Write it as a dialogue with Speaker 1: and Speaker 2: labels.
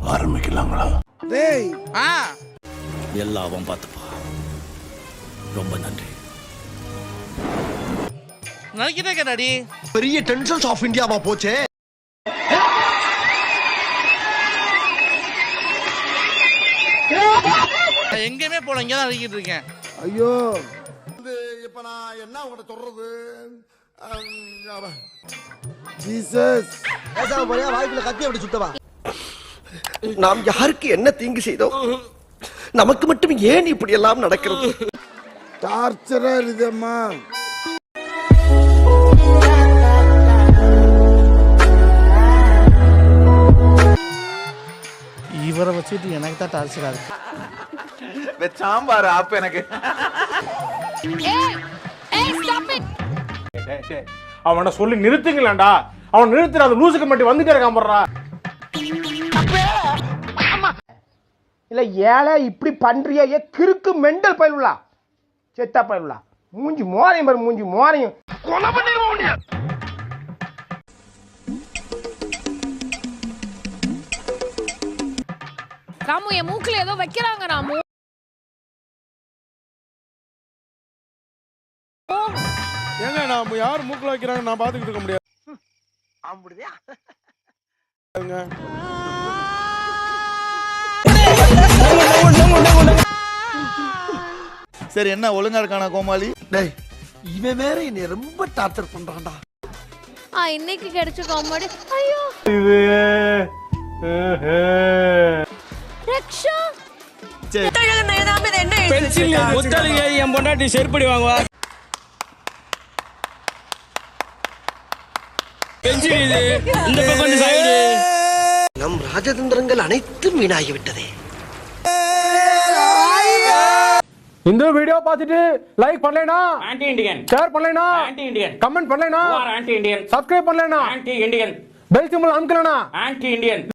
Speaker 1: ஆரம்பிக்கலாங்களா?
Speaker 2: டேய்
Speaker 1: எல்லாம் அவன் பார்த்துப்பா. ரொம்ப நன்றி.
Speaker 3: நினைக்கிறே கேட்டாடி
Speaker 2: பெரிய டென்ஷன்ஸ் ஆஃப் இந்தியாவா போச்சே.
Speaker 3: எங்கேயுமே போல, இங்கே தான் அடிக்கிட்டு இருக்கேன்.
Speaker 2: ஐயோ இப்ப நான் என்ன உங்கள்கிட்ட சொல்றது? ஜீசஸ் பேசாம போறியா? வாய்க்குள்ள கத்தி அப்படி சுத்தவா? நாம் யாருக்கு என்ன தீங்கு செய்தோம்? நமக்கு மட்டும் ஏன் இப்படி எல்லாம் நடக்கிறது? டார்ச்சரா இருக்குதம்மா.
Speaker 3: இவரை வச்சுட்டு எனக்கு தான் டார்ச்சரா இருக்கு.
Speaker 4: சாம்பார் ஆப்பு எனக்கு. அவனை சொல்லி நிறுத்துங்களேன்டா. அவன் நிறுத்துற அந்த லூசுக்கு மட்டும் வந்துட்டே இருக்கான் போடுறா.
Speaker 5: இல்ல ஏழை இப்படி பண்றியா? ஏ கிறுக்கு மெண்டல் பயிலுலா, செத்தா பயிலுலா. மூஞ்சி மோரையும் பாரு, மூஞ்சி மோரையும் கொலை பண்ணிடுவோம்.
Speaker 6: ராமு என் மூக்குல ஏதோ வைக்கிறாங்க. ராமு
Speaker 4: ஏங்க நான் யார் மூக்குல வைக்கிறாங்க நான் பாத்துக்கிட்டு இருக்க முடியாது.
Speaker 5: அப்படியா?
Speaker 1: சரி, என்ன ஒழுங்கா இருக்கானா கோமாளி?
Speaker 2: டேய் இவன் வேற என்னை ரொம்ப டார்ச்சர் பண்றான்டா.
Speaker 6: இன்னைக்கு கிடைச்ச காமெடி. ஐயோ ரக்ஷா
Speaker 7: என் பொண்டாட்டி செருப்படி வாங்குவா. இந்த பக்கம்
Speaker 2: நம் ராஜதந்திரங்கள் அனைத்தும் வீணாகிவிட்டதே.
Speaker 4: இந்த வீடியோ பார்த்துட்டு லைக் பண்ணலைனா
Speaker 7: ஆன்டி இண்டியன்,
Speaker 4: ஷேர் பண்ணலைனா
Speaker 7: ஆன்டி இண்டியன்,
Speaker 4: கமெண்ட் பண்ணலைனா
Speaker 7: ஆன்டி இண்டியன்,
Speaker 4: சப்ஸ்கிரைப் பண்ணலைனா
Speaker 7: ஆன்டி இண்டியன்,
Speaker 4: பெல் சிம்பல் அமுக்கலைனா
Speaker 7: ஆன்டி இண்டியன்.